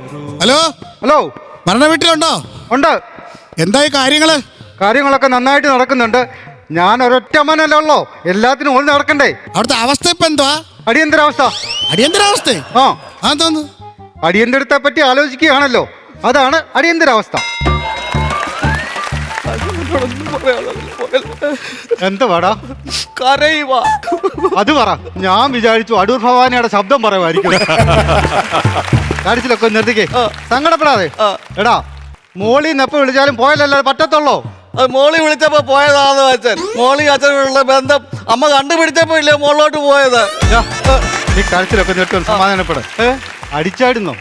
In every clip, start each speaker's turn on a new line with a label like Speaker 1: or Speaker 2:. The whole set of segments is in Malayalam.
Speaker 1: ഹലോ
Speaker 2: ഹലോ,
Speaker 1: മരണ വീട്ടിലുണ്ടോ?
Speaker 2: ഉണ്ട്.
Speaker 1: എന്തായി കാര്യങ്ങള്?
Speaker 2: കാര്യങ്ങളൊക്കെ നന്നായിട്ട് നടക്കുന്നുണ്ട്. ഞാൻ ഒരൊറ്റ അമ്മനല്ലേ ഉള്ളോ, എല്ലാത്തിനും ഓടി നടക്കണ്ടേ.
Speaker 1: അവിടുത്തെ അവസ്ഥ ഇപ്പൊ എന്തുവാ?
Speaker 2: അടിയന്തരാവസ്ഥ.
Speaker 1: അടിയന്തരാവസ്ഥ?
Speaker 2: ആ,
Speaker 1: അതെന്തോന്ന്?
Speaker 2: അടിയന്തരത്തെ പറ്റി ആലോചിക്കുകയാണല്ലോ, അതാണ് അടിയന്തരാവസ്ഥ. എന്താ പാടാ? അത് പറ. ഞാൻ വിചാരിച്ചു അടൂർ ഭവാനിയുടെ ശബ്ദം പറയുമായിരിക്കും. കാണിച്ചിലൊക്കെ നിർത്തിക്കേ, സങ്കടപ്പെടാതെ. എടാ, മോളിന്ന് എപ്പോ വിളിച്ചാലും പോയാലല്ലേ പറ്റത്തുള്ളോ?
Speaker 3: അത് മോളി വിളിച്ചപ്പോ പോയതാന്ന് അച്ഛൻ. മോളി അച്ഛനുള്ള ബന്ധം അമ്മ കണ്ടുപിടിച്ചപ്പോ ഇല്ലേ മോളിലോട്ട് പോയത്.
Speaker 2: നീ കരച്ചിലൊക്കെ നിർത്തും, സമാധാനപ്പെട്. അടിച്ചായിരുന്നോ?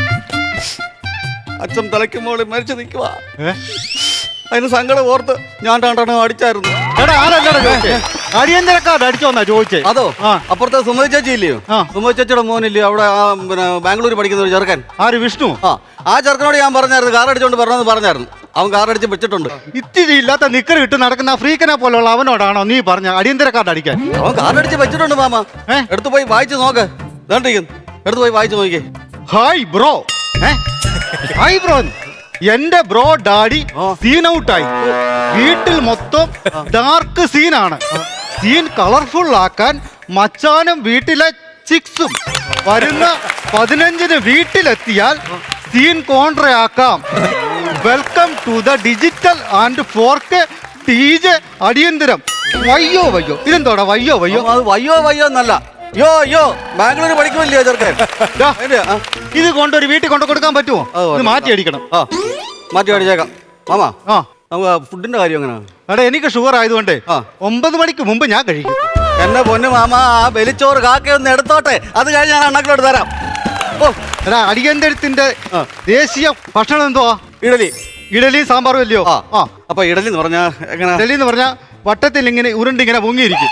Speaker 3: അച്ഛൻ തലയ്ക്ക് മോളി മരിച്ചു നിൽക്കുവാ. അതിന് സങ്കടം ഓർത്ത് ഞാൻ രണ്ടെണ്ണം അടിച്ചായിരുന്നു.
Speaker 2: എടാ, ആരല്ലടാ ചോദിച്ചേ? അടിയന്തരക്കാർ അടിച്ചോന്നാ ചോദിച്ചേ.
Speaker 3: അതോ അപ്പുറത്തെ സുമതി ചേച്ചി ഇല്ലയോ? സുമതി ചേച്ചിയുടെ മോനില്ലയോ അവിടെ പിന്നെ ബാംഗ്ലൂർ പഠിക്കുന്ന ഒരു ചെറുക്കൻ?
Speaker 2: ആര്? വിഷ്ണു?
Speaker 3: ആ ചെറുക്കനോട് ഞാൻ പറഞ്ഞായിരുന്നു കാർ അടിച്ചോണ്ട് പറഞ്ഞെന്ന് പറഞ്ഞായിരുന്നു. അവൻ കാർ അടിച്ച് വെച്ചിട്ടുണ്ട്.
Speaker 2: ഇത്തിരി ഇല്ലാത്ത നിക്കർ ഇട്ട് നടക്കുന്ന ഫ്രീക്കനെ പോലുള്ള അവനോടാണോ നീ പറഞ്ഞ അടിയന്തരക്കാർഡ് അടിക്കാൻ?
Speaker 3: അവൻ കാർ അടിച്ച് വെച്ചിട്ടുണ്ട് മാമ. എടുത്തു പോയി വായിച്ചു നോക്ക്. എടുത്തു പോയി വായിച്ചു നോക്കിയേ.
Speaker 2: Hi bro. Hi bro. എന്റെ ബ്രോ ഡാഡി സീൻ ഔട്ടായി. വീട്ടിൽ മൊത്തം ഡാർക്ക് സീനാണ്. സീൻ കളർഫുൾ ആക്കാൻ മച്ചാനും വീട്ടിലെ ചിക്സും വരുന്ന 15-ന് വീട്ടിലെത്തിയാൽ സീൻ കോൺട്രയാക്കാം. Welcome to the digital and 4K DJ അടിയന്തരം. വയ്യോ വയ്യോ. ഇതെന്തോടാ വയ്യോ വയ്യോ?
Speaker 3: അത് വയ്യോ വയ്യോ എന്നല്ല, യോ ബാംഗ്ലൂർ പഠിക്കുമല്ലോ ചെറുക്കൻ.
Speaker 2: ഇത് കൊണ്ടൊരു വീട്ടിൽ കൊണ്ടു കൊടുക്കാൻ പറ്റുമോ? ഇത് മാറ്റി അടിക്കണം.
Speaker 3: മാറ്റി അടിച്ചേക്കാം മാമ. നമുക്ക് ഫുഡിന്റെ കാര്യം എങ്ങനെയാണ്?
Speaker 2: എടാ, എനിക്ക് ഷുഗർ ആയതുകൊണ്ട് 9 മണിക്ക് മുമ്പ് ഞാൻ കഴിക്കും.
Speaker 3: എന്റെ പൊന്നു മാമ, ആ വെലിച്ചോറ് കാക്കയൊന്ന് എടുത്തോട്ടെ, അത് കഴിഞ്ഞ് ഞാൻ അണ്ണക്കിലോട്ട് തരാം.
Speaker 2: എടാ, അടിയന്തരത്തിന്റെ ദേശീയ ഭക്ഷണം എന്തുവാ? ഇഡലി സാമ്പാറും അല്ലയോ?
Speaker 3: അപ്പൊ ഇഡലി എന്ന് പറഞ്ഞാ എങ്ങനെ?
Speaker 2: ഇഡലി എന്ന് പറഞ്ഞാ വട്ടത്തിൽ ഇങ്ങനെ ഉരുണ്ടിങ്ങനെ പൊങ്ങിയിരിക്കും.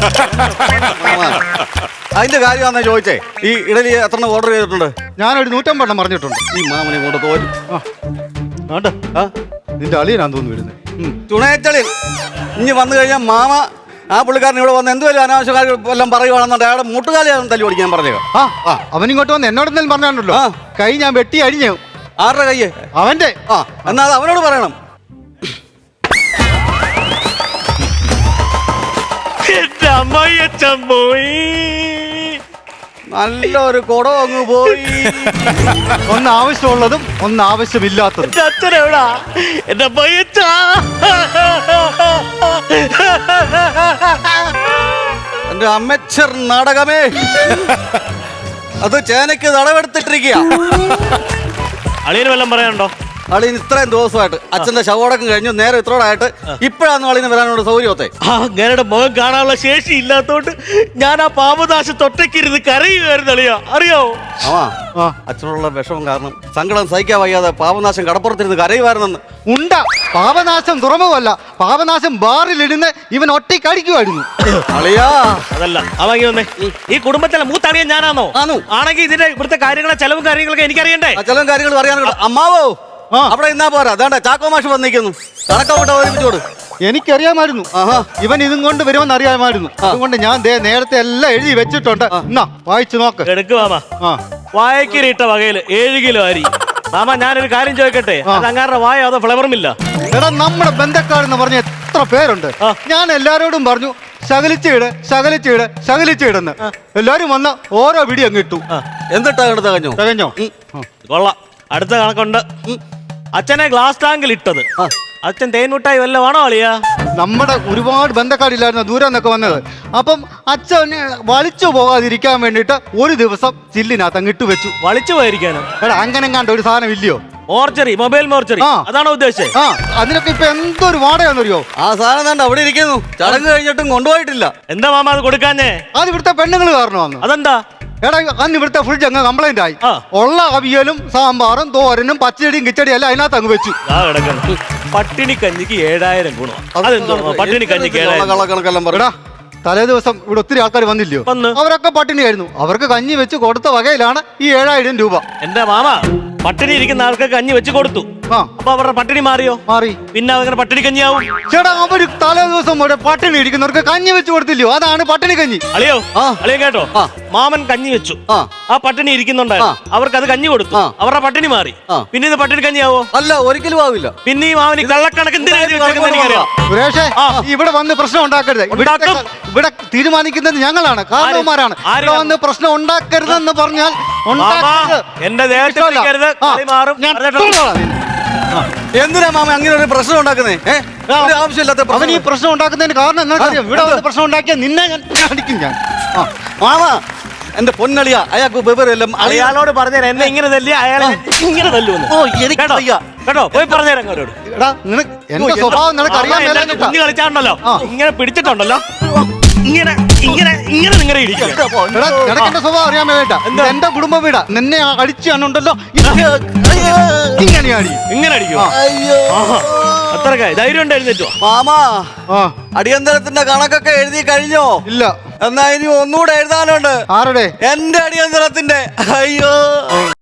Speaker 3: അതിന്റെ കാര്യമാണെന്നാ ചോദിച്ചേ. ഈ ഇഡലി എത്ര ഓർഡർ ചെയ്തിട്ടുണ്ട്?
Speaker 2: ഞാനൊരു 150 എണ്ണം പറഞ്ഞിട്ടുണ്ട്.
Speaker 3: ഈ മാമനെ കൊണ്ട് തോരും.
Speaker 2: നിന്റെ അളിയനാന്ന് തോന്നുന്നു വരുന്നത്.
Speaker 3: ചുണയച്ചളി ഇനി വന്നു കഴിഞ്ഞാൽ മാമ ആ പുള്ളിക്കാരൻ ഇവിടെ വന്ന് എന്തുവല്ല അനാവശ്യ കാര്യം എല്ലാം പറയുവാണെന്നുണ്ട് അയാളുടെ മുട്ടുകാലിയാണ് തല്ലി ഓടിക്കാൻ പറഞ്ഞേക്കാം.
Speaker 2: അവനിങ്ങോട്ട് വന്ന് എന്നോടെന്തെങ്കിലും പറഞ്ഞാണല്ലോ, കൈ ഞാൻ വെട്ടി അഴിഞ്ഞു.
Speaker 3: ആരുടെ കയ്യ്?
Speaker 2: അവന്റെ.
Speaker 3: എന്നാ അത് അവനോട് പറയണം. നല്ലൊരു കുടം അങ്ങ് പോയി.
Speaker 2: ഒന്ന് ആവശ്യമുള്ളതും ഒന്ന് ആവശ്യമില്ലാത്തതും.
Speaker 4: അച്ഛനെവിടാ എന്റെ
Speaker 3: എന്റെ അമ്മച്ചർ നാടകമേ, അത് ചേനയ്ക്ക് നടവെടുത്തിട്ടിരിക്കുക.
Speaker 4: അളിയന് വല്ലതും പറയാനുണ്ടോ?
Speaker 3: അളിന് ഇത്രയും ദിവസമായിട്ട് അച്ഛന്റെ ശവടക്കം കഴിഞ്ഞു, നേരെ ഇത്രോടായിട്ട് ഇപ്പോഴാണ് അളിന് വരാനോട് സൗകര്യമൊത്തെ.
Speaker 4: അങ്ങനെയുടെ മുഖം കാണാനുള്ള ശേഷി ഇല്ലാത്തോണ്ട് ഞാൻ ആ പാപനാശം തൊട്ടക്കിരുന്ന് കരയുമായിരുന്നു അളിയാ, അറിയാവോ?
Speaker 3: അച്ഛനോടുള്ള വിഷമം കാരണം സങ്കടം സഹിക്കാൻ വയ്യാതെ പാപനാശം കടപ്പുറത്തിരുന്ന് കരയുമായിരുന്നെന്ന്.
Speaker 2: ഉണ്ട, പാപനാശം തുറമുവല്ല, പാപനാശം ബാറിലിരുന്ന് ഇവൻ ഒറ്റയ്ക്കടിക്കുമായിരുന്നു.
Speaker 3: അളിയാ
Speaker 4: അതല്ല അവങ്ങി വന്നേ. ഈ കുടുംബത്തിലെ മൂത്തറിയാൻ ഞാനാണോ? ആണെങ്കിൽ ഇതിന്റെ ഇവിടുത്തെ കാര്യങ്ങളെ ചെലവും കാര്യങ്ങളൊക്കെ എനിക്കറിയണ്ടേ?
Speaker 3: ചെലവും കാര്യങ്ങൾ അറിയാനുള്ള അമ്മാവോ അവിടെ ഇന്നാ പോരാ. അതാണ്ട് ചാക്കോ മാഷ് വന്നിരിക്കുന്നു. കണക്കോട്ട് ഒരുമിച്ചോട്.
Speaker 2: എനിക്കറിയാമായിരുന്നു ഇവൻ ഇതും കൊണ്ട് വരുമെന്ന് അറിയാമായിരുന്നു. അതുകൊണ്ട് ഞാൻ നേരത്തെ എല്ലാം എഴുതി വെച്ചിട്ടുണ്ട്. എന്നാ വായിച്ചു നോക്ക്.
Speaker 4: എടുക്ക് മാമ. വായക്കിരിട്ട വകയില് 7 കിലോ അരി. മാമ, ഞാനൊരു കാര്യം ചോദിക്കട്ടെ, അത് അങ്ങാരുടെ വായ അതോ ഫ്ലവറുമില്ല?
Speaker 2: എടാ, നമ്മുടെ ബന്ധക്കാരെന്ന് പറഞ്ഞ എത്ര പേരുണ്ട്. ഞാൻ എല്ലാരോടും പറഞ്ഞു ശകലിച്ചിടുന്ന്. എല്ലാരും വന്ന് ഓരോ പിടി അങ്ങ് ഇട്ടു.
Speaker 3: എന്നിട്ടാ തികഞ്ഞോ?
Speaker 4: കൊള്ളാം. അടുത്ത കണക്കുണ്ട്. അച്ഛനെ ഗ്ലാസ് ടാങ്കിൽ ഇട്ടത് അച്ഛൻ തേൻമുട്ടായി വല്ലതാണോ അളിയാ?
Speaker 2: നമ്മുടെ ഒരുപാട് ബന്ധക്കാരില്ലായിരുന്നു ദൂരം നിന്നൊക്കെ വന്നത്. അപ്പം അച്ഛൻ വലിച്ചു പോകാതിരിക്കാൻ വേണ്ടിട്ട് ഒരു ദിവസം ചില്ലിനകത്ത് അങ്ങ് ഇട്ടു വെച്ചു.
Speaker 4: വലിച്ചു പോയിരിക്കാനോ?
Speaker 2: എടാ, അങ്ങനെ കണ്ട ഒരു സാധനം ഇല്ലയോ?
Speaker 4: മോർച്ചറി, മൊബൈൽ മോർച്ചറി, അതാണോ ഉദ്ദേശിച്ചത്?
Speaker 2: അതിനൊക്കെ ഇപ്പൊ എന്തൊരു വാടകയെന്നറിയോ?
Speaker 3: ആ സാധനം തന്നെ അവിടെ ഇരിക്കുന്നു. ചടങ്ങ് കഴിഞ്ഞിട്ടും കൊണ്ടുപോയിട്ടില്ല.
Speaker 4: എന്താ മാമ അത് കൊടുക്കാഞ്ഞേ?
Speaker 2: അത് ഇവിടുത്തെ പെണ്ണുങ്ങൾ കാരണമാണ്.
Speaker 4: അതെന്താ?
Speaker 2: എടാ, അന്ന് ഇവിടുത്തെ ഫ്രിഡ്ജ് അങ്ങ് കംപ്ലൈന്റ് ആയി. ഉള്ള അവിയലും സാമ്പാറും തോരനും പച്ചടിയും കിച്ചടിയും എല്ലാം അതിനകത്ത് അങ്ങ് വെച്ചു.
Speaker 4: പട്ടിണി കഞ്ഞിക്ക് 7000 ഗുണം. അതെന്തോ പട്ടിണി കഞ്ഞിക്ക്
Speaker 3: 7000?
Speaker 2: തലേ ദിവസം ഇവിടെ ഒത്തിരി ആൾക്കാർ വന്നില്ലയോ? അവരൊക്കെ പട്ടിണിയായിരുന്നു. അവർക്ക് കഞ്ഞി വെച്ച് കൊടുത്ത വകയിലാണ് ഈ 7000 രൂപ.
Speaker 4: എന്റെ മാമ, പട്ടിണി ഇരിക്കുന്ന ആൾക്ക് കഞ്ഞി വെച്ച് കൊടുത്തു.
Speaker 2: ആ.
Speaker 4: അപ്പൊ അവരുടെ പട്ടിണി മാറിയോ?
Speaker 2: മാറി.
Speaker 4: പിന്നെ അങ്ങനെ പട്ടിണി കഞ്ഞിയാവും.
Speaker 2: ചേട്ടാ അവര് തലേ ദിവസം ഒരു പട്ടിണി ഇരിക്കുന്നവർക്ക് കഞ്ഞി വെച്ച് കൊടുത്തില്ലയോ? അതാണ് പട്ടിണി കഞ്ഞി.
Speaker 4: അളിയോ
Speaker 3: ആ.
Speaker 4: അളിയോ കേട്ടോ,
Speaker 3: ആ.
Speaker 4: മാമൻ കഞ്ഞി വെച്ചു,
Speaker 3: ആ.
Speaker 4: ആ പട്ടിണി ഇരിക്കുന്നുണ്ടായിരുന്നു, അവർക്ക് അത് കഞ്ഞി കൊടുത്തു,
Speaker 3: ആ.
Speaker 4: അവരുടെ പട്ടിണി മാറി.
Speaker 3: ആ.
Speaker 4: പിന്നെ ഇത് പട്ടിണി കഞ്ഞിയാവോ?
Speaker 3: അല്ല, ഒരിക്കലും ആവില്ല.
Speaker 4: പിന്നെ ഈ മാമന് കള്ളക്കണക്ക് എന്തിനാ എഴുതി വെച്ചേക്കുന്നത് എനിക്കറിയാം.
Speaker 2: സുരേഷേ
Speaker 4: ആ.
Speaker 2: ഇവിടെ വന്ന് പ്രശ്നം ഉണ്ടാക്കരുത്.
Speaker 4: ഉണ്ടാക്കും.
Speaker 2: ഇവിടെ തീരുമാനിക്കുന്നത് ഞങ്ങളാണ്, കാരണവന്മാരാണ്.
Speaker 4: ആര്
Speaker 2: ഇവിടെ വന്ന് പ്രശ്നം ഉണ്ടാക്കരുതെന്ന് പറഞ്ഞാൽ
Speaker 4: മാമാ,
Speaker 2: ഉണ്ടാക്കരുത്.
Speaker 4: എന്റെ ദേഹത്ത്
Speaker 2: ഇഷ്ടമല്ല.
Speaker 4: പിടിക്കരുത്,
Speaker 2: ആ.
Speaker 4: കളി മാറും.
Speaker 2: ഞാൻ
Speaker 4: പറഞ്ഞിട്ടോ?
Speaker 2: തൊടുന്നോളാം നിന്നെ.
Speaker 3: എന്തിനാ മാമ അങ്ങനെ ഒരു പ്രശ്നം ഉണ്ടാക്കുന്നേ? ഒരു ആവശ്യമില്ലാത്ത
Speaker 2: അവൻ ഈ
Speaker 3: പ്രശ്നം.
Speaker 2: പ്രശ്നം ഉണ്ടാക്കുന്നതിന് കാരണം നിങ്ങൾക്കറിയാം. ഇവിടെ വന്ന് പ്രശ്നം ഉണ്ടാക്കിയ നിന്നെ ഞാൻ അടിക്കും ഞാൻ. ആ.
Speaker 3: മാമ, എന്റെ പൊന്നളിയ, അയാൾക്ക് വിവരമെല്ലാം അറിയാം.
Speaker 4: അയാളോട് പറഞ്ഞേരാ എന്നെ ഇങ്ങനെ തല്ലി അയാളെ അയാളെ തല്ലുവെന്ന്.
Speaker 3: ഓ, എനിക്ക്
Speaker 4: കേട്ടോ?
Speaker 3: വയ്യ.
Speaker 4: കേട്ടോ, പോയി പറഞ്ഞേരാ അവരോട്.
Speaker 2: എടാ നിനക്ക് എന്റെ സ്വഭാവം നിനക്ക് അറിയാൻ മേലാഞ്ഞിട്ടാ.
Speaker 4: കുഞ്ഞു കളിച്ചാണ്ടല്ലോ,
Speaker 2: ആ.
Speaker 4: ഇങ്ങനെ പിടിച്ചിട്ടുണ്ടല്ലോ, ഇങ്ങനെ ഇങ്ങനെ ഇങ്ങനെ നിങ്ങളെ ഇടിക്കുക.
Speaker 2: എടാ നിനക്ക് എന്റെ സ്വഭാവം അറിയാൻ മേലായിട്ടാ. ഇത് എന്റെ കുടുംബ വീടാ. നിന്നെ അടിച്ചാണുണ്ടല്ലോ ഇങ്ങനെയാണ്.
Speaker 4: ഇങ്ങനെ അടിക്കുക.
Speaker 3: അയ്യോ
Speaker 4: അത്രക്കായി ധൈര്യം ഉണ്ട്, എഴുന്നേറ്റോ.
Speaker 3: മാമ,
Speaker 2: ആ
Speaker 3: അടിയന്തരത്തിന്റെ കണക്കൊക്കെ എഴുതി കഴിഞ്ഞോ?
Speaker 2: ഇല്ല.
Speaker 3: എന്നാ ഇനി ഒന്നുകൂടെ എഴുതാനുണ്ട്.
Speaker 2: ആരുടെ?
Speaker 3: എന്റെ അടിയന്തരത്തിന്റെ. അയ്യോ.